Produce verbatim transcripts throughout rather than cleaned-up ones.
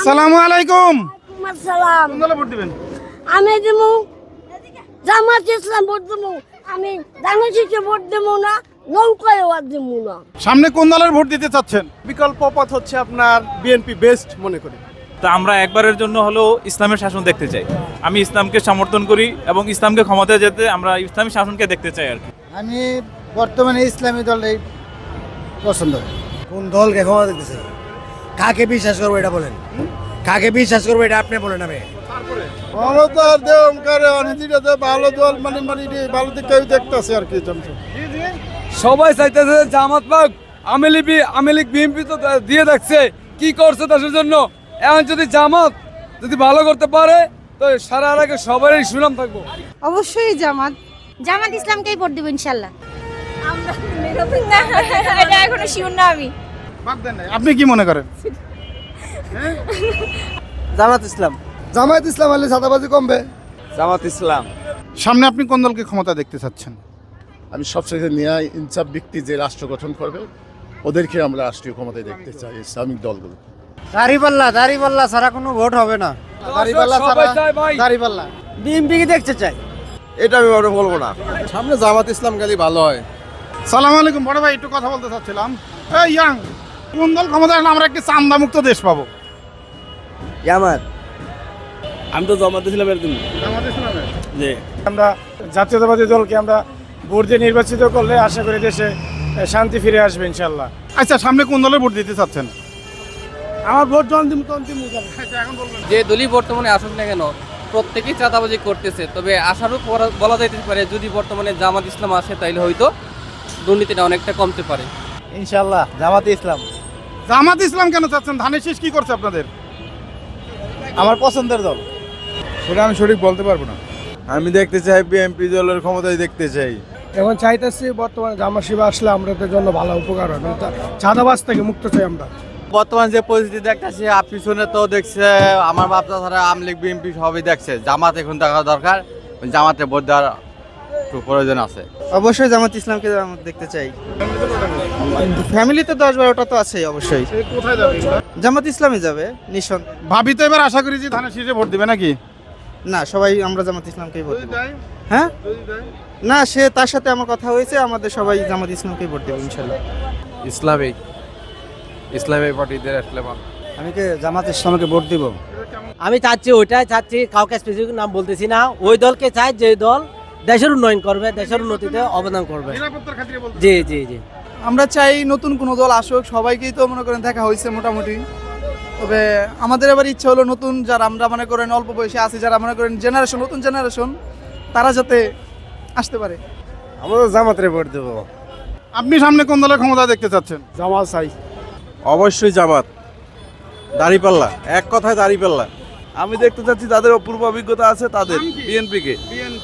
আসসালামু আলাইকুম। আসসালাম। কোন দলে ভোট দিবেন? আমি দেবো জামাত ইসলাম ভোট দেবো। আমি ধানশীষে ভোট দেবো না, নৌকায় ভোট দেবো না। সামনে কোন দলের ভোট দিতে চাচ্ছেন? বিকল্প পথ হচ্ছে আপনার বিএনপি বেস্ট মনে করি। তা আমরা একবারের জন্য হলেও ইসলামের শাসন দেখতে চাই। আমি ইসলামকে সমর্থন করি এবং ইসলামকে ক্ষমতায় যেতে আমরা ইসলামী শাসনকে দেখতে চাই আর কি। আমি বর্তমানে ইসলামী দলই পছন্দ। কোন দলকে ক্ষমতা দিতেছে, কাকে বিশ্বাস করবো এটা বলেন, কাকে বিশ্বাস করবো এটা আপনি বলেন। আমি ক্ষমতার দেওয়ার করে অনেকটা ভালো দল মানে মানে ভালো দিকে দেখতেছে আর কি। সবাই চাইতেছে জামাত পাক, আওয়ামী লীগ আওয়ামী লীগ বিএনপি তো দিয়ে দেখছে কি করছে দেশের জন্য। এখন যদি জামাত যদি ভালো করতে পারে তো সারা আগে সবারই সুনাম থাকবো। অবশ্যই জামাত জামাত ইসলামকেই ভোট দেবো ইনশাল্লাহ। আমরা এটা এখনো শিওর না আমি। আপনি কি মনে করেন? জামাত ইসলাম। জামায়াত ইসলাম হলে সাদাবাজি কমবে। জামাত ইসলাম। সামনে আপনি কোন দলকে ক্ষমতা দেখতে চাচ্ছেন? আমি সবচেয়ে ন্যায় ইনসাফ ব্যক্তি যে রাষ্ট্র গঠন করবে ওদেরকে আমরা রাষ্ট্রীয় ক্ষমতায় দেখতে চাই, ইসলামিক দলগুলো। দাড়িপাল্লা দাড়িপাল্লা ছাড়া কোনো ভোট হবে না। দাড়িপাল্লা ছাড়া দাড়িপাল্লা বিএনপি কে দেখতে চাই। এটা আমি বড় বলবো না। সামনে জামাত ইসলাম গেলে ভালো হয়। সালাম আলাইকুম বড় ভাই, একটু কথা বলতে চাচ্ছিলাম। এই ইয়াং, কোন দল ক্ষমতায় আসলে আমরা একটি চান্দা মুক্ত দেশ পাবো? জামাত। আমি তো জামাত ইসলামের দিন। জামাত ইসলামের। জি। আমরা জাতীয়তাবাদী দলকে আমরা ভোট দিয়ে নির্বাচিত করলে আশা করি দেশে শান্তি ফিরে আসবে ইনশাল্লাহ। আচ্ছা, সামনে কোন দলের ভোট দিতে চাচ্ছেন? আমার ভোট অন্তিম অন্তিম যে দলই বর্তমানে আসুক না কেন প্রত্যেকেই চাঁদাবাজি করতেছে, তবে আশারও বলা যাইতে পারে যদি বর্তমানে জামাত ইসলাম আসে তাইলে হয়তো দুর্নীতিটা অনেকটা কমতে পারে ইনশাল্লাহ জামাত ইসলাম। জামাত ইসলাম কেন চাচ্ছেন? ধানের শীষ কি করছে আপনাদের? আমার পছন্দের দল। সেটা আমি সঠিক বলতে পারবো না। আমি দেখতে চাই বিএনপি দলের ক্ষমতায় দেখতে চাই। এখন চাইতেছি বর্তমানে জামাত শিবির আসলে আমাদের জন্য ভালো উপকার হবে। চাঁদাবাজ থেকে মুক্ত চাই আমরা। বর্তমান যে পরিস্থিতি দেখতেছি পিছনে তো দেখছে আমার বাপটা ছাড়া আওয়ামী লীগ বিএনপি সবই দেখছে। জামাত এখন দেখা দরকার, জামাতে ভোট দেওয়ার একটু প্রয়োজন আছে। অবশ্যই জামাত ইসলামকে দেখতে চাই। ফ্যামিলিতে দশ বারোটা তো আছে অবশ্যই। কোথায় যাবে? জামাত ইসলামে যাবে নিঃসন্দেহে। ভাবি তো এবার আশা করি যে ধানের শীষে ভোট দিবে নাকি? না, সবাই আমরা জামাত ইসলামকেই ভোট দেব। হ্যাঁ না, সে তার সাথে আমার কথা হয়েছে, আমাদের সবাই জামাত ইসলামকেই ভোট দেব ইনশাল্লাহ। ইসলামিক ইসলামিক পার্টিদের আসলে আমি কি জামাত ইসলামকে ভোট দিব? আমি চাচ্ছি ওইটাই চাচ্ছি, কাউকে স্পেসিফিক নাম বলতেছি না। ওই দলকে চাই যে দল দেশের উন্নয়ন করবে, দেশের উন্নতিতে অবদান করবে। জি জি জি আমরা চাই নতুন কোনো দল আসুক। সবাইকেই তো মনে করেন দেখা হয়েছে মোটামুটি, তবে আমাদের এবার ইচ্ছা হলো নতুন যারা আমরা মনে করেন অল্প বয়সে আছি, যারা মনে করেন জেনারেশন নতুন জেনারেশন, তারা যাতে আসতে পারে। আমরা জামাতের ভোট দেবো। আপনি সামনে কোন দলের ক্ষমতা দেখতে চাচ্ছেন? জামাত চাই। অবশ্যই জামাত। দাড়িপাল্লা, এক কথায় দাড়িপাল্লা। আমি দেখতে চাচ্ছি যাদের অপূর্ব অভিজ্ঞতা আছে তাদের, বিএনপি কে।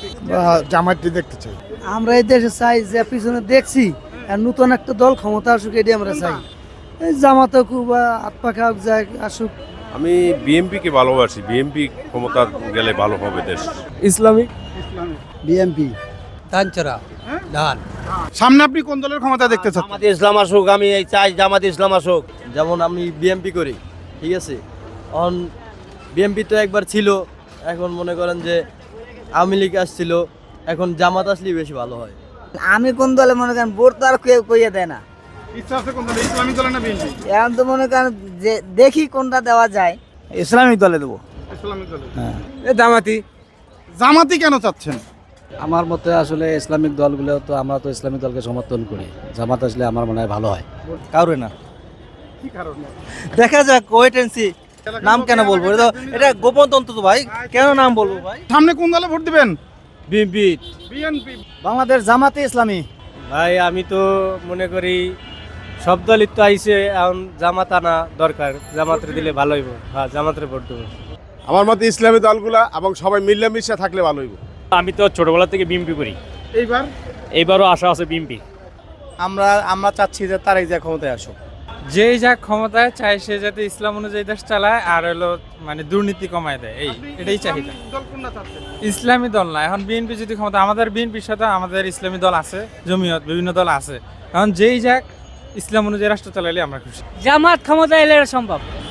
জামাতটি দেখতে চাই। আমরা এই দেশে চাই যে পিছনে দেখছি আর নতুন একটা দল ক্ষমতা আসুক, এটি আমরা চাই। এই জামাতও খুব আত্মা যায় আসুক। আমি বিএনপি কে ভালোবাসি, বিএনপি ক্ষমতা গেলে ভালো হবে দেশ। ইসলামিক বিএনপি ধানচরা ধান। সামনে আপনি কোন দলের ক্ষমতা দেখতে চাচ্ছেন? জামাত ইসলাম আসুক। আমি এই চাই জামাত ইসলাম আসুক। যেমন আমি বিএনপি করি, ঠিক আছে। এখন বিএনপি তো একবার ছিল, এখন মনে করেন যে আওয়ামী লীগ আসছিল, এখন জামাত আসলেই বেশি ভালো হয়। আমি কোন দলে মনে করেন ভোট তো আর কেউ কইয়া দেয় না। ইচ্ছা আছে কোন দলে? ইসলামিক দলে না বিএনপি? এখন তো মনে করেন যে দেখি কোনটা দেওয়া যায়। ইসলামিক দলে দেবো। ইসলামিক দলে। এ জামাতি। জামাতি কেন চাচ্ছেন? আমার মতে আসলে ইসলামিক দলগুলো তো আমরা তো ইসলামিক দলকে সমর্থন করি। জামাত আসলে আমার মনে হয় ভালো হয়। কারো না, কি কারণে? দেখা যাক, ওয়েট এন্ড সি। নাম কেন বলবো? এটা এটা গোপন তন্ত্র তো ভাই, কেন নাম বলবো ভাই? সামনে কোন দলে ভোট দিবেন? বিএনপি। বিএনপি। বাংলাদেশ জামাতে ইসলামী। ভাই আমি তো মনে করি সব দলই তো আইছে, এখন জামাত আনা দরকার। জামাতের দিলে ভালো হইব। হ্যাঁ, জামাতের ভোট দেবো। আমার মতে ইসলামী দলগুলা এবং সবাই মিলেমিশে থাকলে ভালো হইব। আমি তো ছোটবেলা থেকে বিএনপি করি, এইবার এইবারও আশা আছে বিএনপি। আমরা আমরা চাচ্ছি যে তারাই যে ক্ষমতায় আসুক। যেই যা ক্ষমতায় চাই সে যাতে ইসলাম অনুযায়ী দেশ চালায় আর হলো মানে দুর্নীতি কমায় দেয়, এই এটাই চাহিদা। দল কোনটা চাচ্ছেন? ইসলামী দল না, এখন বিএনপি যদি ক্ষমতা, আমাদের বিএনপির সাথে আমাদের ইসলামী দল আছে, জমিয়ত বিভিন্ন দল আছে। এখন যেই যাক ইসলাম অনুযায়ী রাষ্ট্র চালাইলে আমরা খুশি। জামাত ক্ষমতা এলে সম্ভব।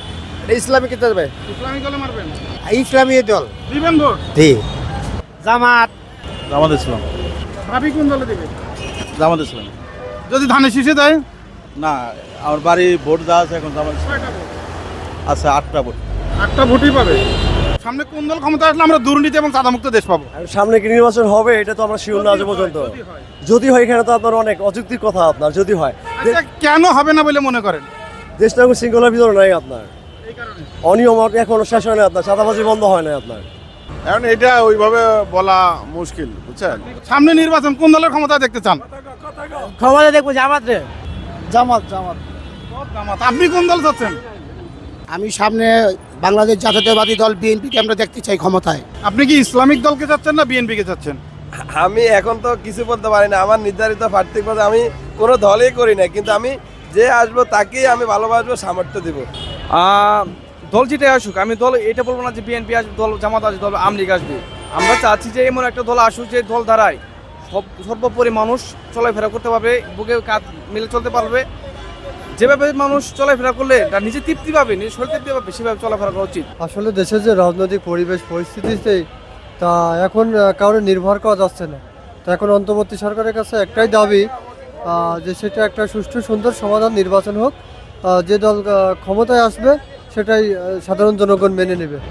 ইসলামিক দল ইসলামিক দলে মারবেন? ইসলামী দল দিবেন ভোট? জি জামাত জামাত ইসলাম। ভাবি কোন দলে দিবে? জামাত ইসলাম। যদি ধানের শীষে দেয়? না, আমার বাড়ি ভোট দেওয়া আছে এখন জামাত ছয়টা ভোট। আছে আটটা ভোট। আটটা ভোটই পাবে। সামনে কোন দল ক্ষমতা আসলে আমরা দুর্নীতি এবং চাঁদামুক্ত দেশ পাবো? সামনে কি নির্বাচন হবে এটা তো আমরা শিওর না আজ পর্যন্ত। যদি হয়। যদি হয় এখানে তো আপনার অনেক অযৌক্তিক কথা আপনার যদি হয় আচ্ছা, কেন হবে না বলে মনে করেন? দেশটা এখন শৃঙ্খলার ভিতরে নাই আপনার এই কারণে অনিয়ম এখনো শেষ হয় না আপনার চাঁদাবাজি বন্ধ হয় না আপনার এখন এটা ওইভাবে বলা মুশকিল বুঝছেন। সামনে নির্বাচন কোন দলের ক্ষমতা দেখতে চান? ক্ষমতা দেখবো জামাত রে জামাত জামাত জামাত। আপনি কোন দল চাচ্ছেন? আমি সামনে বাংলাদেশ জাতীয়তাবাদী দল বিএনপিকে আমরা দেখতে চাই ক্ষমতায়। আপনি কি ইসলামিক দলকে চাচ্ছেন না বিএনপি কে চাচ্ছেন? আমি এখন তো কিছু বলতে পারি না, আমার নির্ধারিত প্রার্থী পদে আমি কোনো দলই করি না, কিন্তু আমি যে আসবো তাকেই আমি ভালোবাসবো, সামর্থ্য দিব। দল যেটাই আসুক, আমি দল এটা বলবো না যে বিএনপি আসবে, দল জামাত আসবে, দল আওয়ামী লীগ আসবে। আমরা চাচ্ছি যে এমন একটা দল আসুক যে দল দ্বারাই সব সর্বোপরি মানুষ চলাফেরা করতে পারবে, বুকে কাঁধ মিলে চলতে পারবে। যেভাবে মানুষ চলাফেরা করলে তার নিজে তৃপ্তি পাবে, নিজের শরীর তৃপ্তি পাবে, সেভাবে চলাফেরা করা উচিত। আসলে দেশের যে রাজনৈতিক পরিবেশ পরিস্থিতিতে তা এখন কারো নির্ভর করা যাচ্ছে না। তো এখন অন্তর্বর্তী সরকারের কাছে একটাই দাবি যে সেটা একটা সুষ্ঠু সুন্দর সমাধান নির্বাচন হোক, যে দল ক্ষমতায় আসবে সেটাই সাধারণ জনগণ মেনে নেবে।